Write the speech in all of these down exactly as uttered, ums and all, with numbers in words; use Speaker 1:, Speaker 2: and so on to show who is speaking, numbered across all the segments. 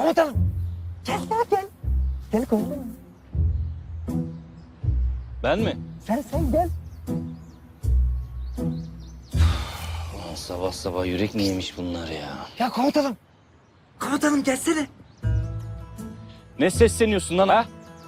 Speaker 1: komutanım. Gel gel gel. Gel komutanım.
Speaker 2: Ben mi?
Speaker 1: Sen sen gel.
Speaker 2: Ulan sabah sabah yürek mi yemiş bunlar ya?
Speaker 1: Ya komutanım. Komutanım gelsene.
Speaker 2: Ne sesleniyorsun lan ha?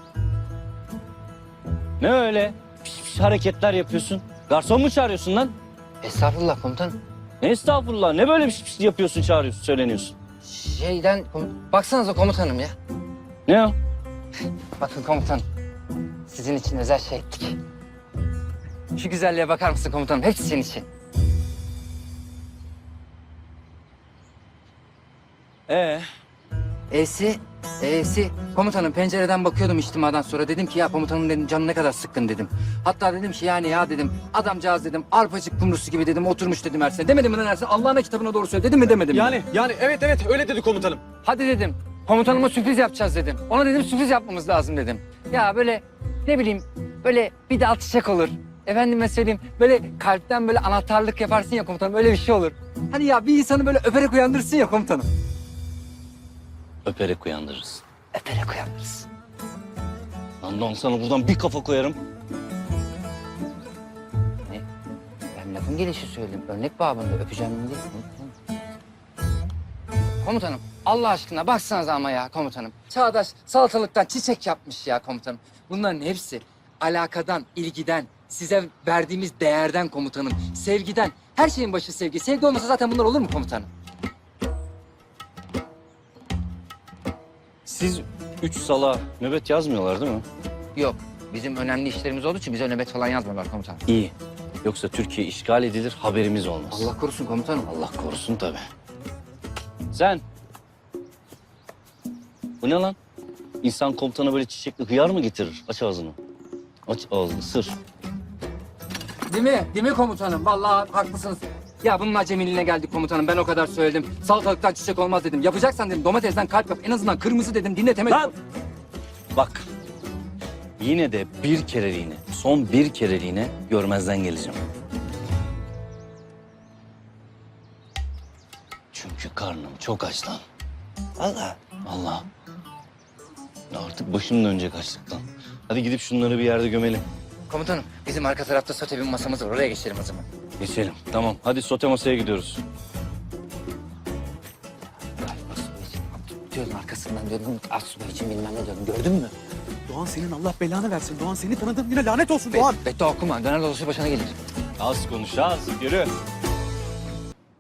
Speaker 2: Ne öyle? Piş piş hareketler yapıyorsun. Garson mu çağırıyorsun lan?
Speaker 3: Estağfurullah komutanım.
Speaker 2: Ne estağfurullah, ne böyle piş piş yapıyorsun, çağırıyorsun, söyleniyorsun?
Speaker 3: Şeyden, kom- baksanıza komutanım ya.
Speaker 2: Ne o?
Speaker 3: Bakın komutanım, sizin için özel şey ettik. Şu güzelliğe bakar mısın komutanım? Hepsi senin için.
Speaker 2: Ee,
Speaker 3: E'si, E'si. Komutanım pencereden bakıyordum içtimadan sonra. Dedim ki ya komutanım dedim canı ne kadar sıkkın dedim. Hatta dedim ki yani ya dedim adamcağız dedim arpacık kumrusu gibi dedim oturmuş dedim Ersin. Demedim mi lan Ersin? Allah'ın kitabına doğru söyle. Dedim mi demedim mi?
Speaker 4: Yani yani evet evet öyle dedi komutanım.
Speaker 3: Hadi dedim. Komutanıma sürpriz yapacağız dedim. Ona dedim sürpriz yapmamız lazım dedim. Ya böyle ne bileyim böyle bir dal çiçek olur. Efendime söyleyeyim böyle kalpten böyle anahtarlık yaparsın ya komutanım öyle bir şey olur. Hani ya bir insanı böyle öperek uyandırırsın ya komutanım.
Speaker 2: öperek uyandırırız.
Speaker 3: Öperek uyandırırsın.
Speaker 2: Lan lan sana buradan bir kafa koyarım.
Speaker 3: Ne? Ben lafın gelişi söyledim. Örnek babında öpeceğim değil. Komutanım Allah aşkına baksanıza ama ya komutanım. Çağdaş salatalıktan çiçek yapmış ya komutanım. Bunların hepsi alakadan, ilgiden, size verdiğimiz değerden komutanım. Sevgiden. Her şeyin başı sevgi. Sevgi olmasa zaten bunlar olur mu komutanım?
Speaker 2: Siz üç sala nöbet yazmıyorlar değil mi?
Speaker 3: Yok. Bizim önemli işlerimiz olduğu için bize nöbet falan yazmıyorlar komutanım.
Speaker 2: İyi. Yoksa Türkiye işgal edilir, haberimiz olmaz.
Speaker 3: Allah korusun komutanım.
Speaker 2: Allah korusun tabii. Sen. Bu ne lan? İnsan komutana böyle çiçekli hıyar mı getirir? Aç ağzını. Aç ağzını, sır.
Speaker 3: Değil mi? Değil mi komutanım? Vallahi haklısınız. Ya bunun acemiliğine geldik komutanım. Ben o kadar söyledim. Salatalıktan çiçek olmaz dedim. Yapacaksan dedim domatesten kalp yap. En azından kırmızı dedim. Dinletemedim.
Speaker 2: Lan! Bak. Yine de bir kereliğine, son bir kereliğine görmezden geleceğim. Çünkü karnım çok aç lan.
Speaker 1: Vallahi.
Speaker 2: Allah. Artık başım dönecek açlıktan. Hadi gidip şunları bir yerde gömelim.
Speaker 3: Komutanım bizim arka tarafta sote bir masamız var. Oraya geçelim o zaman.
Speaker 2: Geçelim. Tamam. Hadi sote masaya gidiyoruz.
Speaker 3: Galiba subay için. Diyordun arkasından diyordun. Az subay için bilmem ne diyordun. Gördün mü?
Speaker 4: Doğan senin Allah belanı versin. Doğan seni tanıdım yine lanet olsun Doğan.
Speaker 3: Beddua okuma. Döner dolaşır başına gelir.
Speaker 2: Az konuş az. Yürü.